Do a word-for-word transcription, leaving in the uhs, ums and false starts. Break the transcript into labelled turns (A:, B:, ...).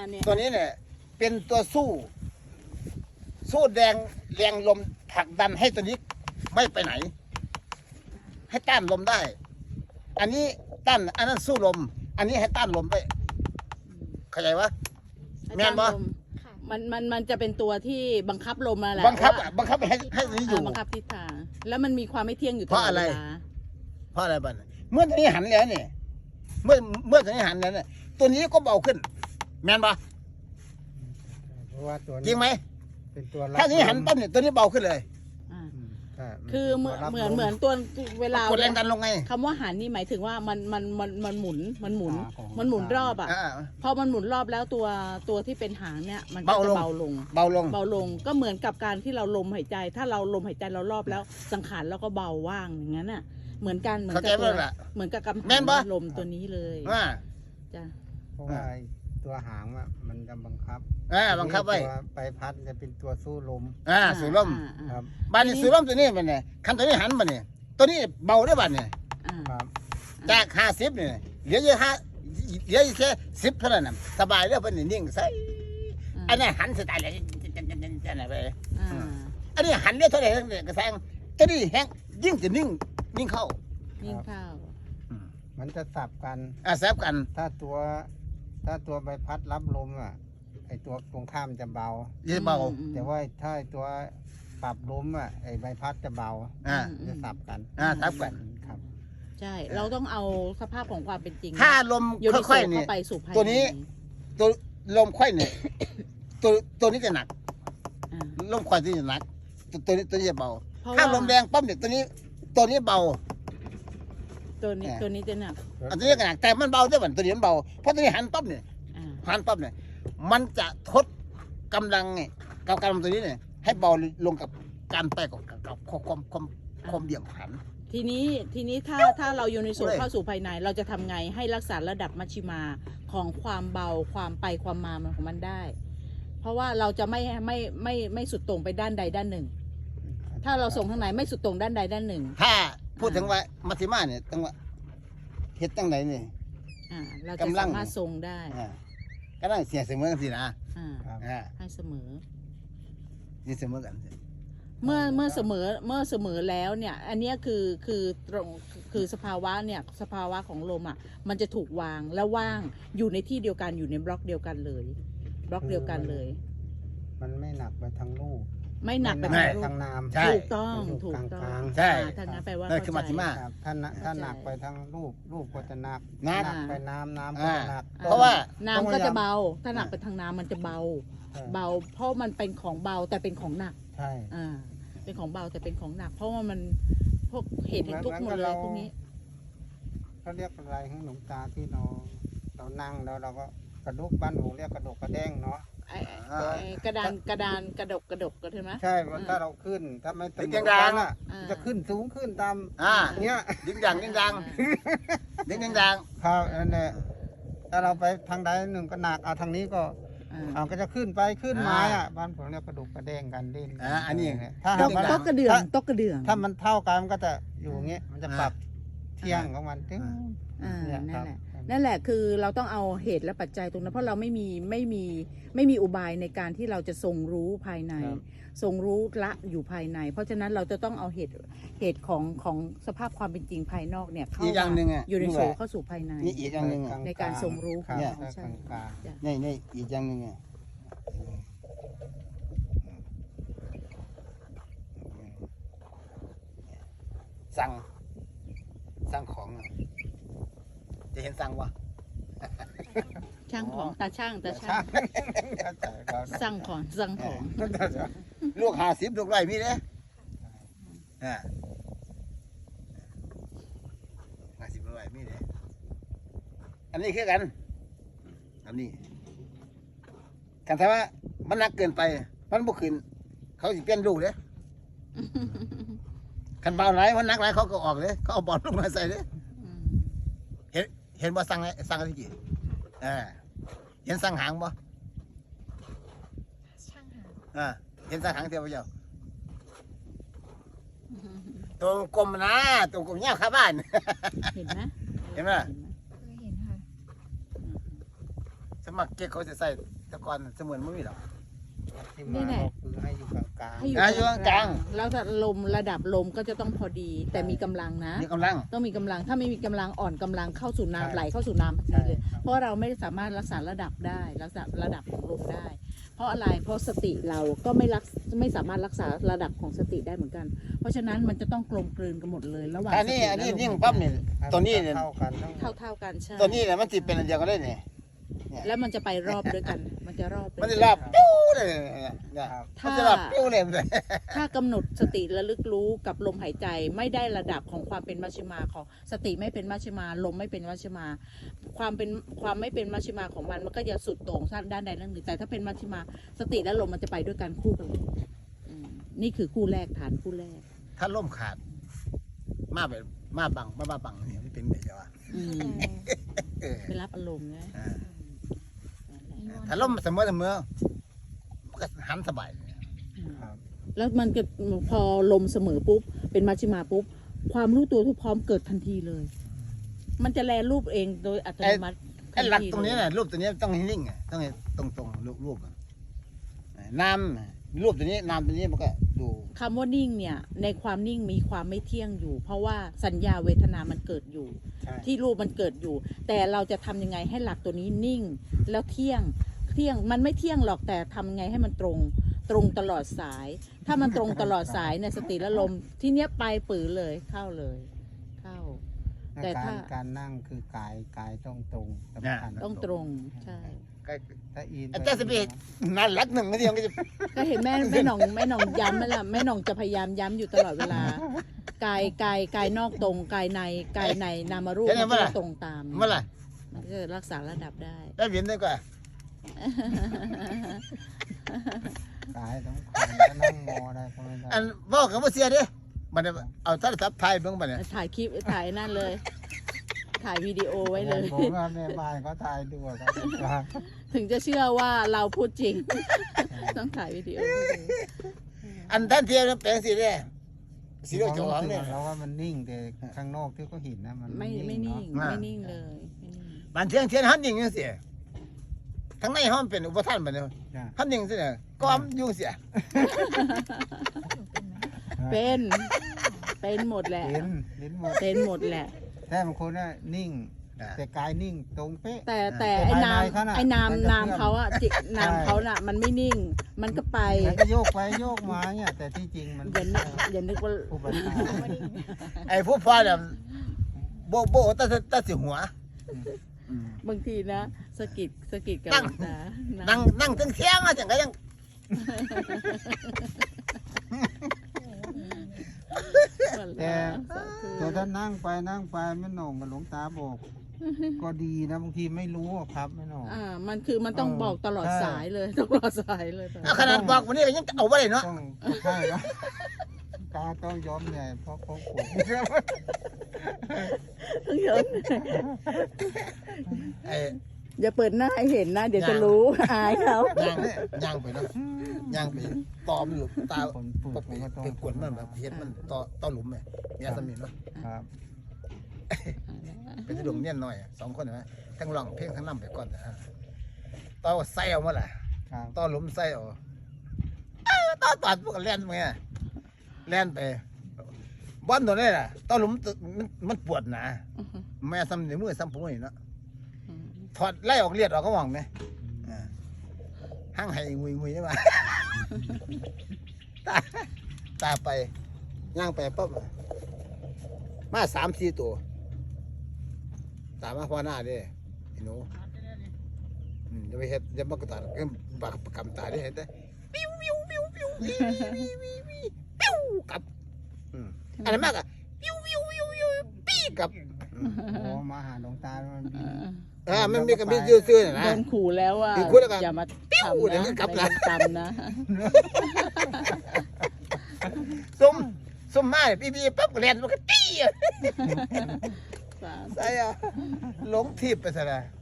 A: เนี่ย
B: ตัวนี้เนี่ยเป็นตัวสู้ สู้แดงแรงลมผลักดันให้ตัวนี้ไม่ไปไหน ให้ต้านลมได้ อันนี้ต้านอันนั้นสู้ลม อันนี้ให้ต้านลมได้เข้าใจวะแม่นบ่
A: มันมันมันจะเป็นตัวที่บังคับลมมาแหละ
B: บังคับอ่ะบังคับให้ให้ตัวนี้อยู่
A: บังคับทิศทางแล้วมันมีความไม่เที่ยงอยู่ตล
B: เพ
A: อ
B: ราะ
A: ด
B: อะไร
A: เวลา
B: เพราะอะไรบ้างเมื่อตัวนี้หันแล้วเนี่ยเมื่อเมื่อตัวนี้หันแล้วเนี่ยตัวนี้ก็เบาขึ้น แม่นบ่
C: เพราะว่าตัว
B: จริงไหม
C: เป็นตัวรับ
B: ถ้าตัวนี้หันปั๊บเนี่ยตัวนี้เบาขึ้นเลย
A: อ่า
C: อืมใช่
A: คือเหมือน
C: ตัวรับ
A: เหมือน
C: ล
A: เหมือนตัวเวลาก
B: ดแรงดันลงไง
A: คำว่าหันนี่หมายถึงว่ามันมันมันมันหมุนมันหมุน
C: อ่าของ
A: มันหมุนรอบอ่ะ
B: อ่า
A: พอมันหมุนรอบแล้วตัวตัวที่เป็นหางเนี่ยมันก็
B: เบา
A: จะ
B: ลง
A: เบาลง
B: เบาลง
A: เบาลงก็เหมือนกับการที่เราลมหายใจ ถ้าเราลมหายใจเรารอบแล้วสังขารเราก็เบาว่างอย่างนั้นน่ะเหมือนกันเหมือน
B: เข้าใจ
A: กับ
B: ไหม
A: ตัว
B: ล่ะ
A: เหมือนกับกำ
B: แม่นปะ
A: ลมตัวนี้เลย
B: อ่า
A: จ้ะ
C: เพราะว่าไอ้ตัวหางอ่ะมันจะบังคับ
B: อ่าบังคับไว้
C: ตัวใบพัดจะเป็นตัวสู้ลม
B: อ่าสูบลม
A: อ่า
C: ครับ
B: บ้านนี้สูบลมตัวนี้มันเนี่ยคันตัวนี้หันมาเนี่ยตัวนี้เบาได้บ้านเนี่ย
A: อ่า
C: ครับ
B: จากห้าสิบเนี่ยเหลืออยู่ห้าเหลืออยู่แค่สิบเท่านั้นน่ะสบายแล้วเป็นนิ่งใส่อันนี้หันสไตล์อะไรจะไหนไป
A: อ่า
B: อันนี้หันเรียกเท่าไหร่เนี่ยกระแซงตัวนี้แห้งยิ่งจะนิ่งนิ่งเข้า
A: นิ่งเข้า
C: มันจะสับกัน
B: อ่าแซบกัน
C: ถ้าตัวถ้าตัวใบพัดรับลมอ่ะไอตัวตรงข้ามจะเบา
B: ยิ่งเบา
A: อืม
C: แต่ว่าถ้าไอ้ตัวปรับลมอ่ะไอใบพัดจะเบา
B: อ่า
C: จะสับกัน
B: อ่าสับกัน
C: ครับ
A: ใช่ เราต้องเอาสภาพของความเป็นจริง
B: ถ้าลม
A: อยู่ใน
B: ค่อยๆเนี่
A: เข้าย ไปสู่ภายใน
B: ตัวนี้ ตัวลมค่อยเนี่ยตัวตัวนี้จะหนัก
A: อ่า
B: ลมค่อยที่จะหนัก ตัวตัวนี้ตัวนี้จะเบา
A: เพราะ
B: ถ้า
A: ว่า
B: ลมแรงปั๊บเนี่ยตัวนี้ตัวนี้เบา
A: ตัวนี้
B: อ่า
A: ตัวนี้จะหนัก
B: อันตัวนี้ก็หนักแต่มันเบาด้วยมันตัวนี้มันเบาเพราะตัวนี้หันปั๊บเนี่ย
A: อ่า
B: หันปั๊บเนี่ยมันจะทดกำลังไงกับกำลังตัวนี้เนี่ยให้เบาลงกับการไปกับกับความความความเบี่ยงผัน
A: ทีนี้ทีนี้ถ้าถ้าเราอยู่ในส่วน
B: เลย
A: เข้าสู่ภายในเราจะทำไงให้รักษาระดับมัชชิมาของความเบาความไปความมามันของมันได้ เพราะว่าเราจะไม่ไม่ไม่ไม่สุดโต่งไปด้านใดด้านหนึ่ง ถ้าเราส่งทางไหนไม่สุดโต่งด้านใดด้านหนึ่ง
B: ถ้าพูดถึงว่ามัธยมาเนี่ยตั้งว่าเฮ็ดตั้งไหนเนี่ย
A: อ่าเราจะ
B: กำลัง
A: สามารถทรงได้
B: อ่าก็ต้องเสียเสมอกันสินะ
A: อ่า
C: ครับ
B: อ่า
A: ให้เสมอ
B: เสียเสมอกันสิ
A: เมื่อเมื่อเสมอเมื่อเสมอแล้วเนี่ย อันเนี้ยคือคือตรงคือสภาวะเนี่ยสภาวะของลมอ่ะมันจะถูกวางและว่างอยู่ในที่เดียวกันอยู่ในบล็อกเดียวกันเลย บล็อกเดียวกันเลย
C: มันไม่หนักไปทางลูก
A: ไม่หนักไป
C: ไม่
A: ทาง
C: ห
A: รู
C: ทา
A: ป
C: งน้ำ
B: ใช่
A: ถูกต้อง
C: อยู่
A: ถูก
C: กลาง
A: ต้อง
C: กลาง
B: ใช่
A: อ่าถ้างั้นแปลว่า
B: นั่นคือมัชฌิมา
C: ครับถ้าหนักถ้าหนักไปทางลูกลูกก็จะหนัก
B: หนัก
C: ไปน้ำน้ำก็
B: อ่า
C: จะหนัก
B: เพราะว่า
A: น้ำก็จะเบา ถ้าหนักไปทางน้ำมันจะเบา
C: ใช่
A: เบา เพราะมันเป็นของเบาแต่เป็นของหนัก
C: ใช่
A: อ่า เป็นของเบาแต่เป็นของหนัก เพราะว่ามันพวกเหตุแห่งทุกข์หมดเลยพวกนี้
C: เขาเรียกอะไรให้หลวงตาที่เราเรานั่งแล้วเราก็กระดุกบ้านหนูเรียกกระดกกระแด้งเนาะ
A: ไอ้ไอ้กระดานกระดานกระดกกระดกก็ใช่ไหม
C: ใช่ว่าถ้าเราขึ้นถ้าไม่
B: เป็นกลางๆ
C: อ่ะ
A: อ่า
C: จะขึ้นสูงขึ้นตาม
B: อ่า
C: เนี้ย
B: ดิ้งดังดิ้งดังดิ้งดัง
C: ครับนั่นแหละถ้าเราไปทางใดหนึ่งก็หนักเอาทางนี้ก็
A: อ่า
C: เอาก็จะขึ้นไปขึ้นไม้อ่ะบ้านผมเรียกกระดูกกระแดงกันดิ้น
B: อ่าอันนี้
C: ถ้า
A: ต
C: หาก
A: ก
C: มัน
A: ตกกระเดื่องตกกระเดื่อง
C: ถ้ามันเท่ากันมันก็จะอยู่อย่างเงี้ยมันจะปรับเที่ยงของมันตึ้ง
A: อ่า
C: เนี่ย
A: นั่
C: ครั
A: น
C: บ
A: แหละ นั่นแหละคือเราต้องเอาเหตุและปัจจัยตรงนั้นเพราะเราไม่มีไม่มีไม่มีอุบายในการที่เราจะทรงรู้ภายใน
C: ครับ
A: ทรงรู้ละอยู่ภายใน เพราะฉะนั้นเราจะต้องเอาเหตุเหตุของของสภาพความเป็นจริงภายนอกเนี่ยเข้า
B: อีกอย่างหนึ่งอ่ะ
A: อยู่ใน
B: รู้
A: สู่
B: ว่า
A: เข้าสู่ภายใน
B: นี่อีกอย่างหนึ่งอ่ะ
A: ในการทรงรู้
C: ครับ
B: เนี่ย
C: ถ้ากลางกลาง
A: จ้ะ
B: นี่นี่อีกอย่างหนึ่งอ่ะสั่งสั่งของอ่ะจะเห็นสั่งวะ
A: ช่างของตาช่างตา
C: ใช่
A: ช่าง
C: ครับ
A: สั่งของสั่งของ
B: ลูกห้าสิบลูกร้อยมีเด้อ่าห้าสิบลูกร้อยมีเด้อันนี้คือกัน อันนี้กันถ้าว่ามันหนักเกินไป มันบ่ขึ้น เขาสิเปลี่ยนลูกเด้คันเบาหลายมันหนักหลายเขาก็ออกเลยเขาเอาบอลลงมาใส่เลย
A: อืม
B: เห็นเห็นบ่สั่งไงสั่งอะไรกี่อ่าเห็นสั่งหางบ่
D: ช่างหา
B: อ่าเห็นสั่งหางเทียวบ่เจ้าตัวกลมนะตัวกลมเงี้ยข้าบ้าน
A: เห็นไหม
B: เห็นไหม
D: เคยเห็นค่ะ
B: สมักเก็กเขาจะใส่แตะกอนเสมือนไม่มีหรอก
C: ที่มาบอกคือให้อยู่กลาง
A: ให้
B: อ่ะอยู่กลาง
A: แล้วแต่ลมระดับลมก็จะต้องพอดี แต่มีกำลังนะ
B: มีกำลัง
A: ต้องมีกำลังถ้าไม่มีกำลังอ่อนกำลังเข้าสู่น้ำไหลเข้าสู่น้ำพอ
C: ๆ
A: ดี
C: ใช่
A: เลย
C: ครับ
A: เพราะเราไม่สามารถรักษาระดับได้รักษาระดับของลมได้ เพราะอะไรเพราะสติเราก็ไม่รักไม่สามารถรักษาระดับของสติได้เหมือนกัน เพราะฉะนั้นมันจะต้องกลมกลืนกันหมดเลยระหว่าง
B: อันนี้
A: สติ
B: อันนี้
A: และลม
B: ยิ่งปั๊บเนี่ยตัวนี้เนี่ย
C: เท่ากันทั้งหม
A: เท่า
C: ด
A: เท่ากันใช่
B: ตัวนี้เนี่ยมันติเป็นอันเดียวกันเลยเนี่ย
A: แล้วมันจะไปรอบด้วยกัน มันจะรอบด้วย
B: มัน
A: กั
B: จะรับปิ้วเลยเนี่ยเนี่ย
C: ครับ
B: มันจะรับปิ้วเลยเลย
A: ถ้ากำหนดสติระลึกรู้กับลมหายใจไม่ได้ระดับของความเป็นมัชฌิมาของสติไม่เป็นมัชฌิมาลมไม่เป็นมัชฌิมา ความเป็นความไม่เป็นมัชฌิมาของมันมันก็จะสุดโต่งด้านใดด้านหนึ่งแต่ถ้าเป็นมัชฌิมาสติและลมมันจะไปด้วยกันคู่กันเลยอืมนี่คือคู่แรกฐานคู่แรก
B: ถ้าล่มขาด มาแบบมาบังมาบ้าบังเนี่ยมันเป็นแบบเดียวอะ
A: อืม
B: เออ
A: ไปรับอารมณ์ไง
B: อ่าถ้าล่มเสมอเสมอมันก็หันสบายเลย
C: ครับ
A: แล้วมันก็พอลมเสมอปุ๊บเป็นมัชฌิมาปุ๊บความรู้ตัวทุกพร้อมเกิดทันทีเลย มันจะแลรูปเองโดยอัตโนมัติ
B: ไอ้หลัก
A: ทัที
B: ตรงนี้
A: เลย
B: น่ะรูปตัวนี้ต้องให้นิ่งอ่ะต้องให้ตรงตรงๆรูปรูปอะน้ำรูปตัวนี้น้ำตัวนี้มันก็ดู
A: คำว่านิ่งเนี่ยในความนิ่งมีความไม่เที่ยงอยู่ เพราะว่าสัญญาเวทนามันเกิดอยู่
C: ใช่
A: ที่รูปมันเกิดอยู่ แต่เราจะทำยังไงให้หลักตัวนี้นิ่ง แล้วเที่ยงเที่ยงมันไม่เที่ยงหรอกแต่ทำไงให้มันตรงตรงตลอดสาย ถ้ามันตรงตลอดสายเนี่ยสติและลมที่เนี้ยไปปือเลยเข้าเลยเข้า แต่
C: การ
A: ถ้า
C: การนั่งคือกายกายต้องตรงสำคัญ
A: ต้องตรงใช่
B: ก็
C: ถ้าอิน
B: อาจารย์สเปกนั่นหลักหนึ่งก็ยังก็จะ
A: ก็เห็นแม่แม่หนองแม่หนองย้ำไหมล่ะแม่หนองจะพยายามย้ำอยู่ตลอดเวลากายกายกายนอกตรงกายในกายในนามารูปมันก็จะตรงตาม
B: เมื่อไหร่
A: มันก็จะรักษาระดับได้
B: ได้เห็นได้กว่า
C: กายต้องคานถ้านั่งงอได้ก็ไม่ได้
B: อันบอกกับว่าเสียเด้มันเอาโทรศัพท์ถ่ายเบิ่งบัดเนี่ย
A: ถ่ายคลิปถ่ายนั่นเลย ถ่ายวิดีโอไว้เลย
C: ผมว่าแม่บ้านเขาตายด้วยครับ
A: ถึงจะเชื่อว่าเราพูดจริง ต้องถ่ายวิดีโอไว้เลย
B: อันท่านเทียนแปลงสีเด้สีเหลืองจองเนี่ย
C: เราว่ามันนิ่งแต่ข้างนอกที่เขาเห็นนะมัน
A: ไม่ไม่นิ่ง
B: อ่า
A: ไม่นิ่งเลยไม่นิ่ง
B: บานเทียงเทียนหันยิงจังซี่ทั้งในห้องเป็นอุปทานบัดเนี่ย
C: จ้ะ
B: หันยิงซี่เนี่ยก็อมยุ่งเสีย
A: เป็นเป็นหมดแหละ
C: เห็นเห็นหมด
A: เป็นหมดแหละ
C: แต่บางคนน่ะนิ่ง แต่กายนิ่งตรงเป๊ะ
A: แต่แต่
C: แต่
A: ไอ้
C: ภายใน
A: นาม
C: เขาน่ะ
A: ไอ้นาม
C: มันจะ
A: นาม
C: เคลื่อน
A: เขาอะจินาม
C: ใช่
A: เขาน่ะ มันไม่นิ่ง มันก็ไป
C: มันก็โยกไปโยกมาเนี่ยแต่ที่จริงมัน
A: อย่านึกอย่านึกว่า
C: อุปทาน
B: ไอ้ผู้พ่อเนี่ยโบโบตาตาสิหัว
A: บางทีนะสะกิดสะกิดกับ
B: นั่ง
A: หลวงตา
B: นั่งนั่งถึงเที่ยงอ่ะจังก็ยัง
C: แต่
A: สาธุ
C: แต่ถ้านั่งไปนั่งไปไม่หน่งกับหลวงตาบอก ก็ดีนะบางทีไม่รู้อะครับไม่หน่ง
A: อ่า มันคือมันต้อง
C: เออ
A: บอกตลอด
C: ใช่
A: สายเลยตลอดสายเลยตลอด
B: เอาขนาดบอกวันนี้ก็ยังเอาไว้เลยเนาะ
C: ต้องใช่ครับตาต้องยอมใหญ่เพราะเขาปวด
A: ต้องยอม
B: ไอ้
A: อย่าเปิดหน้าให้เห็นนะ เดี๋ยวจะรู้อายเขา
B: ย่างย่างไปเนาะย่างไปตอมหลุมตา
C: คนปว
B: ป
C: ด
B: ก
C: มันก็ต้อง
B: เป็นขวนมันแบบเฮ็ดมันต่อต่อหลุมไงมีอาสมินเนาะ
C: ครับ
B: เป็นที่ดวงเนี่ยหน่อยสองคนเห็นไหมทั้งร้องเพลงทั้งนำไปก่อนอ่ะต่อใส่เอามาล่ะ
C: ครับ
B: ต่อหลุมใส่เอาเอ้าต่อตัดพวกแล่นไปไงแล่นไปบอลตัวนี้ล่ะต่อหลุมมันมันปวดหนาแม่ซ้ำในมือซ้ำผมนี่เนาะถอดไล่ออกเลียดออกก็มองไหมอ่าห้างไห้งุยงุยใช่ไหม ตาตาไปย่างไปปั๊บมาสามสี่ตัวตามมาพ่อหน้าเด้ไอ้หนูอืมจะไปเฮ็ดจะมากระตาก็ปากประกำตาได้เห็นได้ปิ้วปิ้วปิ้วปิ้ววิววิววิววิวปิ้วกลับอืมอันนั้นมากอะปิ้วปิ้วปิ้วปิ้วปี้กลับอืม
C: โอ้มาหาหลวงตามันบิน
B: อ่ามันมีกับมีซื่อๆน่ะ
A: โด
B: นะ
A: นขู่แล้วว่า
B: คือขู่แล้วกัน
A: อย่ามา
B: ปิ้ว
A: ทำ
B: เดี๋ยว
A: นะ
B: ก็กลับ
A: ไม่
B: ละ
A: ต้องทำนะ
B: ซุ่มซุ่มมาเนี่ยพี่ๆปั๊บก็เล่นมันก็ตี้อะ
A: สาธุ
B: ใส่อะหลงทิพย์ไปซะแล้ว